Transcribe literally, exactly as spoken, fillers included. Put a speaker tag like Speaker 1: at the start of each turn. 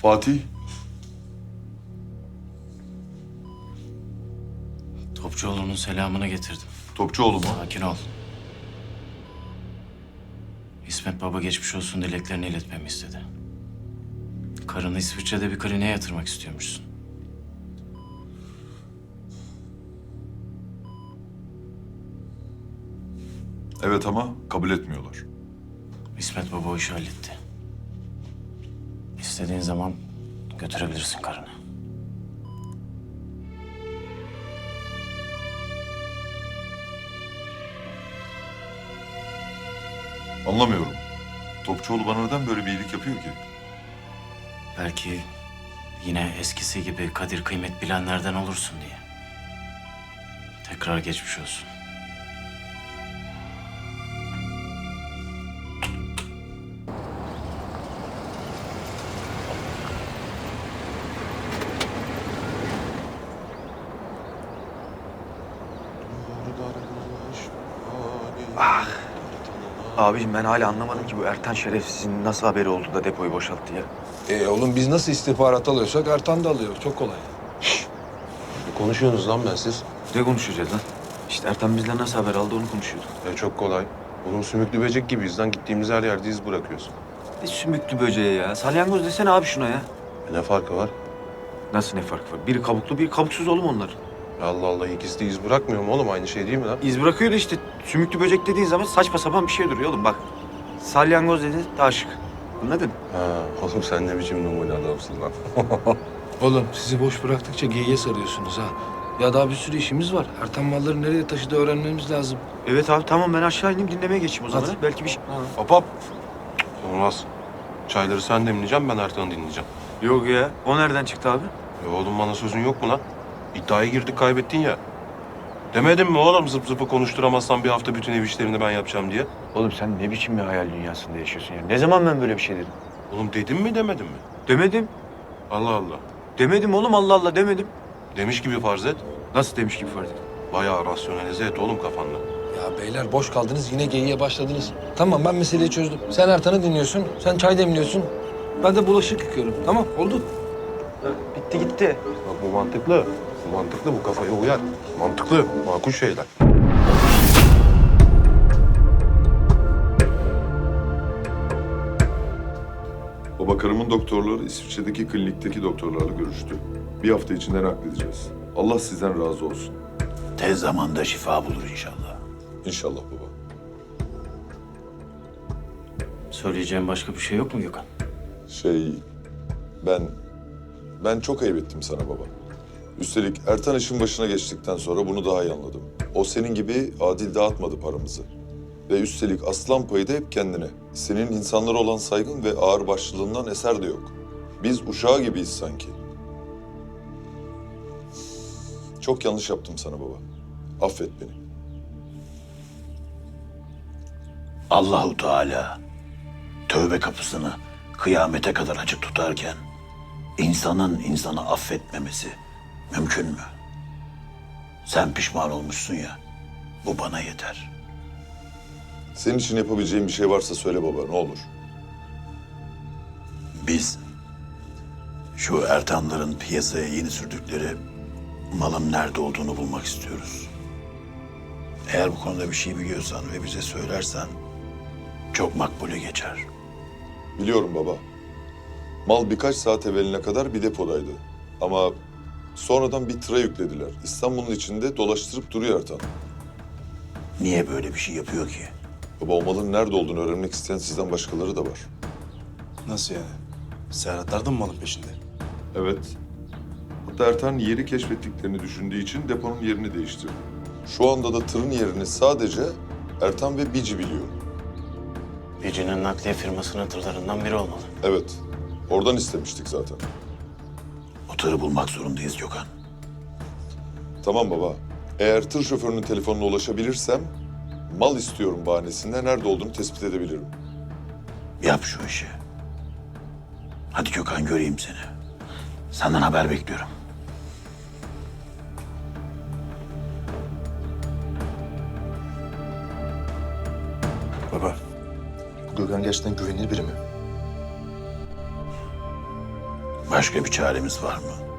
Speaker 1: Fatih.
Speaker 2: Topçuoğlu'nun selamını getirdim.
Speaker 1: Topçuoğlu mu?
Speaker 2: Sakin ol. İsmet Baba geçmiş olsun dileklerini iletmemi istedi. Karını İsviçre'de bir kliniğe yatırmak istiyormuşsun.
Speaker 1: Evet ama kabul etmiyorlar.
Speaker 2: İsmet Baba o işi halletti. İstediğin zaman götürebilirsin karını.
Speaker 1: Anlamıyorum. Topçuoğlu bana neden böyle bir iyilik yapıyor ki?
Speaker 2: Belki yine eskisi gibi kadir kıymet bilenlerden olursun diye. Tekrar geçmiş olsun.
Speaker 3: Abiciğim ben hala anlamadım ki bu Ertan şerefsizin nasıl haberi oldu da depoyu boşalttı ya.
Speaker 4: E oğlum biz nasıl istihbarat alıyorsak Ertan da alıyor. Çok kolay.
Speaker 5: Ne konuşuyorsunuz lan ben siz?
Speaker 3: Ne konuşacağız lan? İşte Ertan bizden nasıl haber aldı onu konuşuyorduk.
Speaker 5: E çok kolay. Oğlum sümüklü böcek gibiyiz lan. Gittiğimiz her yerde iz bırakıyoruz.
Speaker 3: Ne sümüklü böceği ya. Salyangoz desene abi şuna ya.
Speaker 5: E ne farkı var?
Speaker 3: Nasıl ne fark var? Biri kabuklu biri kabuksuz oğlum onlar.
Speaker 5: Allah Allah ikisi de iz bırakmıyor mu oğlum? Aynı şey değil mi lan?
Speaker 3: İz bırakıyor da işte sümüklü böcek dediğin zaman saçma sapan bir şey duruyor oğlum bak. Salyangoz dedi daha şık. Anladın?
Speaker 5: Ha, oğlum sen ne biçim numune adamsın lan?
Speaker 4: Oğlum sizi boş bıraktıkça geyiğe sarıyorsunuz ha. Ya daha bir sürü işimiz var. Ertan malları nereye taşıdı öğrenmemiz lazım.
Speaker 3: Evet abi tamam ben aşağı ineyim dinlemeye geçeyim o zaman.
Speaker 4: Hadi.
Speaker 3: ha. Belki bir şey...
Speaker 5: Hop hop. Olmaz. Çayları sen demleyeceğim, ben Ertan'ı dinleyeceğim.
Speaker 3: Yok ya. O nereden çıktı abi?
Speaker 5: E oğlum bana sözün yok mu lan? İddiaya girdik kaybettin ya. Demedim mi oğlum zıp zıpı konuşturamazsan bir hafta bütün ev işlerini ben yapacağım diye?
Speaker 3: Oğlum sen ne biçim bir hayal dünyasında yaşıyorsun ya? Ne zaman ben böyle bir şey dedim?
Speaker 5: Oğlum dedim mi demedim mi?
Speaker 3: Demedim.
Speaker 5: Allah Allah.
Speaker 3: Demedim oğlum Allah Allah demedim.
Speaker 5: Demiş gibi farz et.
Speaker 3: Nasıl demiş gibi fark ettim.
Speaker 5: Bayağı rasyonalize et oğlum kafanda.
Speaker 4: Ya beyler boş kaldınız yine geyiğe başladınız. Tamam ben meseleyi çözdüm. Sen Ertan'ı dinliyorsun, sen çay demliyorsun. Ben de bulaşık yıkıyorum. Tamam oldu.
Speaker 3: Bitti gitti.
Speaker 5: Bak bu mantıklı. Bu mantıklı, bu kafaya uyar. Mantıklı, makul şeyler.
Speaker 1: Baba karımın doktorları İsviçre'deki klinikteki doktorlarla görüştü. Bir hafta içinde nakledeceğiz. Allah sizden razı olsun.
Speaker 6: Tez zamanda şifa bulur inşallah.
Speaker 1: İnşallah baba.
Speaker 2: Söyleyeceğim başka bir şey yok mu Gökhan?
Speaker 1: Şey, ben... Ben çok ayıp ettim sana baba. Üstelik Ertan işin başına geçtikten sonra bunu daha iyi anladım. O senin gibi adil dağıtmadı paramızı. Ve üstelik aslan payı da hep kendine. Senin insanlara olan saygın ve ağırbaşlılığından eser de yok. Biz uşağı gibiyiz sanki. Çok yanlış yaptım sana baba. Affet beni.
Speaker 6: Allahu Teala tövbe kapısını kıyamete kadar açık tutarken insanın insanı affetmemesi mümkün mü? Sen pişman olmuşsun ya, bu bana yeter.
Speaker 1: Senin için yapabileceğim bir şey varsa söyle baba, ne olur.
Speaker 6: Biz şu Ertanların piyasaya yeni sürdükleri malın nerede olduğunu bulmak istiyoruz. Eğer bu konuda bir şey biliyorsan ve bize söylersen çok makbule geçer.
Speaker 1: Biliyorum baba. Mal birkaç saat evveline kadar bir depodaydı. Ama sonradan bir tıra yüklediler. İstanbul'un içinde dolaştırıp duruyor Ertan.
Speaker 6: Niye böyle bir şey yapıyor ki?
Speaker 1: Baba o malın nerede olduğunu öğrenmek isteyen sizden başkaları da var.
Speaker 7: Nasıl yani? Serhatlar da mı malın peşinde?
Speaker 1: Evet. Hatta Ertan yeri keşfettiklerini düşündüğü için deponun yerini değiştirdi. Şu anda da tırın yerini sadece Ertan ve Bici biliyor.
Speaker 2: Bici'nin nakliye firmasının tırlarından biri olmalı.
Speaker 1: Evet. Oradan istemiştik zaten.
Speaker 6: O tırı bulmak zorundayız Gökhan.
Speaker 1: Tamam baba. Eğer tır şoförünün telefonuna ulaşabilirsem mal istiyorum bahanesinde nerede olduğunu tespit edebilirim.
Speaker 6: Yap şu işi. Hadi Gökhan göreyim seni. Senden haber bekliyorum.
Speaker 7: Baba, bu Gökhan gerçekten güvenilir biri mi?
Speaker 6: Başka bir çaremiz var mı?